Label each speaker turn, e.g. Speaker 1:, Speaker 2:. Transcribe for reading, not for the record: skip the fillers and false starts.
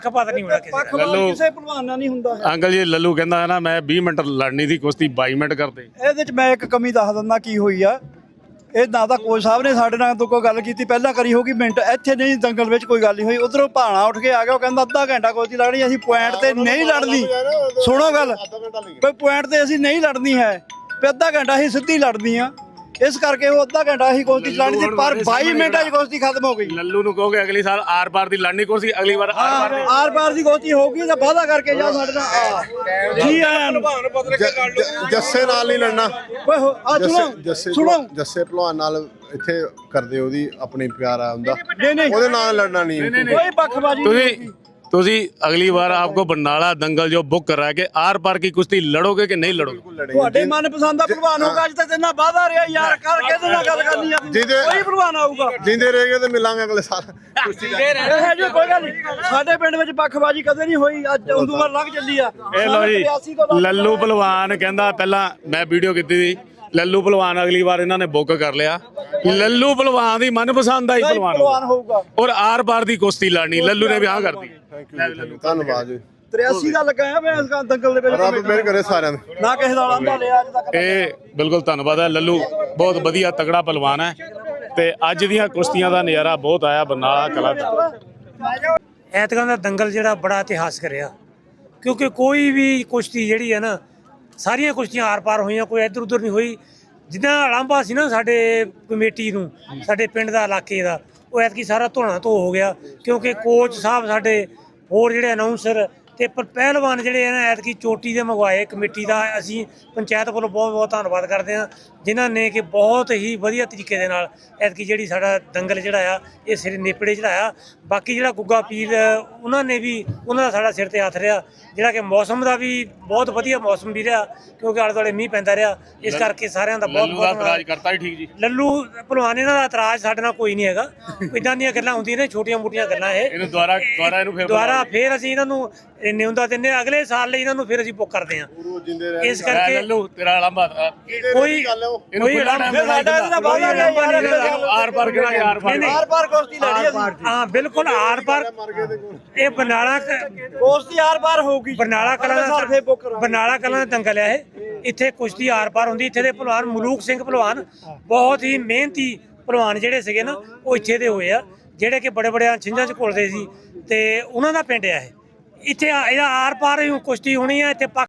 Speaker 1: ਪਤਾ ਨਹੀਂ ਹੋਣਾ ਕਿਸੇ
Speaker 2: ਲੱਲੂ
Speaker 3: ਕਿਸੇ ਭਲਵਾਨ ਨਾਲ ਨਹੀਂ ਹੁੰਦਾ
Speaker 2: ਅੰਕਲ ਜੀ ਲੱਲੂ ਕਹਿੰਦਾ ਹੈ ਨਾ ਮੈਂ 20 ਮਿੰਟ ਲੜਨੀ ਦੀ ਕੁਸ਼ਤੀ 22 ਮਿੰਟ ਕਰਦੇ।
Speaker 3: ਇਹਦੇ ਚ ਮੈਂ ਇੱਕ ਕਮੀ ਦੱਸ ਦਿੰਦਾ ਕੀ ਹੋਈ ਆ। ਇਹ ਨਾ ਤਾਂ ਕੋਚ ਸਾਹਿਬ ਨੇ ਸਾਡੇ ਨਾਲ ਤੋਂ ਕੋਈ ਗੱਲ ਕੀਤੀ ਪਹਿਲਾਂ ਕਰੀ ਹੋਗੀ ਮਿੰਟ, ਇੱਥੇ ਨਹੀਂ ਦੰਗਲ ਵਿੱਚ ਕੋਈ ਗੱਲ ਨਹੀਂ ਹੋਈ। ਉਧਰੋਂ ਭਾਣਾ ਉੱਠ ਕੇ ਆ ਗਿਆ, ਉਹ ਕਹਿੰਦਾ ਅੱਧਾ ਘੰਟਾ ਕੋਚੀ ਲੜਨੀ, ਅਸੀਂ ਪੁਆਇੰਟ ਤੇ ਨਹੀਂ ਲੜਨੀ। ਸੁਣੋ ਗੱਲ, ਕੋਈ ਪੁਆਇੰਟ ਤੇ ਅਸੀਂ ਨਹੀਂ ਲੜਨੀ ਹੈ, ਵੀ ਅੱਧਾ ਘੰਟਾ ਅਸੀਂ ਸਿੱਧੀ ਲੜਨੀ ਆ। ਇਸ ਕਰਕੇ ਉਹ ਅੱਧਾ ਘੰਟਾ ਅਸੀਂ ਕੁਸ਼ਤੀ ਚਲਾਣੀ ਸੀ, ਪਰ 22 ਮਿੰਟਾਂ 'ਚ ਕੁਸ਼ਤੀ ਖਤਮ ਹੋ ਗਈ।
Speaker 2: ਲੱਲੂ ਨੂੰ ਕਹੋਗੇ ਅਗਲੀ ਸਾਲ ਆਰ ਪਾਰ ਦੀ ਲੜਨੀ ਕੁਸ਼ਤੀ, ਅਗਲੀ ਵਾਰ
Speaker 3: ਆਰ ਪਾਰ ਦੀ ਕੁਸ਼ਤੀ ਹੋਊਗੀ ਤਾਂ ਵਾਅਦਾ ਕਰਕੇ ਜਾ ਸਾਡੇ ਨਾਲ। ਜੀ ਆਇਆਂ ਨੂੰ।
Speaker 4: ਜੱਸੇ ਨਾਲ ਨਹੀਂ ਲੜਨਾ।
Speaker 3: ਓਏ ਆ ਸੁਣੋ
Speaker 4: ਜੱਸੇ ਭਲਵਾਨ ਨਾਲ ਇੱਥੇ ਕਰਦੇ ਉਹਦੀ ਆਪਣੀ ਪਿਆਰਾ ਹੁੰਦਾ,
Speaker 3: ਨਹੀਂ
Speaker 4: ਉਹਦੇ ਨਾਲ ਲੜਨਾ नहीं।
Speaker 3: कोई पक्षबाजी
Speaker 2: तुसी अगली बार आपको बरनाला दंगल जो बुक कर रहा है कि आर पार की कुश्ती लड़ोगे कि नहीं लड़ोगे?
Speaker 3: ਤੁਹਾਡੇ ਮਨਪਸੰਦ ਦਾ ਭਲਵਾਨ ਹੋਊਗਾ। ਅੱਜ ਤੱਕ ਇੰਨਾ ਵਾਅਦਾ ਰਿਹਾ ਯਾਰ, ਕਰ ਕਿਹਦੇ ਨਾਲ ਗੱਲ ਕਰਨੀ ਆ? ਕੋਈ ਭਲਵਾਨ ਆਊਗਾ,
Speaker 4: ਜਿੰਦੇ ਰਹੇਗੇ ਤੇ ਮਿਲਾਂਗੇ ਅਗਲੇ ਸਾਲ।
Speaker 3: ਇਹ ਜੋ ਕੋਈ ਗੱਲ ਨਹੀਂ। ਸਾਡੇ ਪਿੰਡ ਵਿੱਚ ਪੱਖਬਾਜੀ ਕਦੇ ਨਹੀਂ ਹੋਈ, ਅੱਜ ਉਦੋਂ ਲੱਗ ਚੱਲੀ ਆ।
Speaker 2: ਇਹ ਲੋ ਜੀ ਲੱਲੂ ਭਲਵਾਨ ਕਹਿੰਦਾ ਪਹਿਲਾਂ ਮੈਂ ਵੀਡੀਓ ਕੀਤੀ ਸੀ, ਲੱਲੂ ਭਲਵਾਨ ਅਗਲੀ ਵਾਰ ਇਹਨਾਂ ਨੇ ਬੁੱਕ ਕਰ ਲਿਆ। ਲੱਲੂ ਭਲਵਾਨ ਦੀ ਮਨਪਸੰਦ ਆਈ ਭਲਵਾਨ
Speaker 3: ਹੋਊਗਾ
Speaker 2: ਔਰ ਆਰ ਪਾਰ ਦੀ ਕੁਸ਼ਤੀ ਲੜਨੀ, ਲੱਲੂ ਨੇ ਵੀ ਹਾਂ ਕਰਦੀ।
Speaker 4: ਧੰਨਵਾਦ ਜੀ।
Speaker 3: 83 ਦਾ ਲੱਗਾ ਮੈਂ ਇਸ ਦੰਗਲ ਦੇ ਵਿੱਚ,
Speaker 4: ਰੱਬ ਮਿਹਰ ਕਰੇ ਸਾਰਿਆਂ ਦੇ।
Speaker 3: ਨਾ ਕਿਸੇ ਦਾ ਆਂਦਾ ਲਿਆ ਅੱਜ ਤੱਕ।
Speaker 2: ਇਹ ਬਿਲਕੁਲ ਧੰਨਵਾਦ ਹੈ, ਲੱਲੂ ਬਹੁਤ ਵਧੀਆ ਤਗੜਾ ਭਲਵਾਨ ਹੈ ਤੇ ਅੱਜ ਦੀਆਂ ਕੁਸ਼ਤੀਆਂ ਦਾ ਨਜ਼ਾਰਾ ਬਹੁਤ ਆਇਆ ਬਰਨਾਲਾ ਕਲਾ ਦਾ।
Speaker 1: ਐਤਕਾਂ ਦਾ ਦੰਗਲ ਜਿਹੜਾ ਬੜਾ ਇਤਿਹਾਸਕ ਰਿਹਾ, ਕਿਉਂਕਿ ਕੋਈ ਵੀ ਕੁਸ਼ਤੀ ਜਿਹੜੀ ਹੈ ਨਾ, ਸਾਰੀਆਂ ਕੁਸ਼ਤੀਆਂ ਆਰ ਪਾਰ ਹੋਈਆਂ, ਕੋਈ ਇੱਧਰ ਉੱਧਰ ਨਹੀਂ ਹੋਈ। ਜਿੱਦਾਂ ਅਲਾਂਭਾ ਸੀ ਨਾ ਸਾਡੇ ਕਮੇਟੀ ਨੂੰ, ਸਾਡੇ ਪਿੰਡ ਦਾ ਇਲਾਕੇ ਦਾ, ਉਹ ਐਤਕੀ ਸਾਰਾ ਧੋਣਾ ਧੋ ਹੋ ਗਿਆ, ਕਿਉਂਕਿ ਕੋਚ ਸਾਹਿਬ ਸਾਡੇ ਹੋਰ ਜਿਹੜੇ ਅਨਾਊਂਸਰ ਤੇ ਪਹਿਲਵਾਨ ਜਿਹੜੇ ਨੇ ਐਤਕੀ ਚੋਟੀ ਦੇ ਮੰਗਵਾਏ ਕਮੇਟੀ ਦਾ। ਅਸੀਂ ਪੰਚਾਇਤ ਕੋਲੋਂ ਬਹੁਤ ਬਹੁਤ ਧੰਨਵਾਦ ਕਰਦੇ ਹਾਂ, ਜਿਨ੍ਹਾਂ ਨੇ ਕਿ ਬਹੁਤ ਹੀ ਵਧੀਆ ਤਰੀਕੇ ਦੇ ਨਾਲ ਐਤਕੀ ਜਿਹੜੀ ਸਾਡਾ ਦੰਗਲ ਜਿਹੜਾ ਆ ਇਹ ਸਿਰ ਨੇਪੜੇ ਚੜਾਇਆ। ਬਾਕੀ ਜਿਹੜਾ ਗੁੱਗਾ ਪੀਰ ਉਹਨਾਂ ਨੇ ਵੀ, ਉਹਨਾਂ ਦਾ ਸਾਡਾ ਸਿਰ ਤੇ ਹੱਥ ਰਿਹਾ, ਜਿਹੜਾ ਕਿ ਮੌਸਮ ਦਾ ਵੀ ਬਹੁਤ ਵਧੀਆ ਮੌਸਮ ਵੀ ਰਿਹਾ, ਕਿਉਂਕਿ ਆਲੇ ਦੁਆਲੇ ਮੀਂਹ ਪੈਂਦਾ ਰਿਹਾ। ਇਸ ਕਰਕੇ ਸਾਰਿਆਂ ਦਾ ਬਹੁਤ ਬਹੁਤ
Speaker 2: ਇਤਰਾਜ਼ ਕਰਤਾ ਠੀਕ ਜੀ।
Speaker 1: ਲੱਲੂ ਭਲਵਾਨ ਇਹਨਾਂ ਦਾ ਇਤਰਾਜ਼ ਸਾਡੇ ਨਾਲ ਕੋਈ ਨਹੀਂ ਹੈਗਾ। ਇਦਾਂ ਦੀਆਂ ਗੱਲਾਂ ਹੁੰਦੀਆਂ ਨੇ, ਛੋਟੀਆਂ ਮੋਟੀਆਂ ਗੱਲਾਂ।
Speaker 2: ਇਹਨੂੰ ਦੁਬਾਰਾ
Speaker 1: ਫਿਰ ਅਸੀਂ ਇਹਨਾਂ ਨੂੰ ਨਿਉਂਦਾ ਦਿੰਦੇ, ਅਗਲੇ ਸਾਲ ਲਈ ਇਹਨਾਂ ਨੂੰ ਫਿਰ ਅਸੀਂ ਬੁੱਕ ਕਰਦੇ ਹਾਂ। ਇਸ ਕਰਕੇ
Speaker 2: ਲੱਲੂ ਤੇਰਾ ਲੰਬਾ
Speaker 1: ਕੋਈ
Speaker 2: ਆਰ ਪਾਰ ਕਿਹੜਾ ਯਾਰ
Speaker 3: ਆਰ ਪਾਰ ਕੁਸ਼ਤੀ ਲੜੀ ਅਸੀਂ।
Speaker 1: ਹਾਂ ਬਿਲਕੁਲ ਆਰ ਪਾਰ। ਇਹ ਬਰਨਾਲਾ
Speaker 3: ਕੁਸ਼ਤੀ ਆਰ ਪਾਰ ਹੋਊਗੀ।
Speaker 1: ਬਰਨਾਲਾ ਕਲਾਂ ਦਾ ਦੰਗਲ ਹੈ ਇਹ। ਇੱਥੇ ਕੁਸ਼ਤੀ ਆਰ ਪਾਰ ਹੁੰਦੀ। ਇੱਥੇ ਦੇ ਭਲਵਾਨ ਮਲੂਕ ਸਿੰਘ ਭਲਵਾਨ ਬਹੁਤ ਹੀ ਮਿਹਨਤੀ ਭਲਵਾਨ ਜਿਹੜੇ ਸੀਗੇ ਨਾ, ਉਹ ਇੱਥੇ ਦੇ ਹੋਏ ਆ, ਜਿਹੜੇ ਕਿ ਬੜੇ ਬੜੇ ਛਿੰਝਾਂ 'ਚ ਘੁਲਦੇ ਸੀ ਤੇ ਉਹਨਾਂ ਦਾ ਪਿੰਡ ਆ ਇਹ। ਇੱਥੇ ਇਹਦਾ ਆਰ ਪਾਰ ਕੁਸ਼ਤੀ ਹੋਣੀ ਆ ਇੱਥੇ।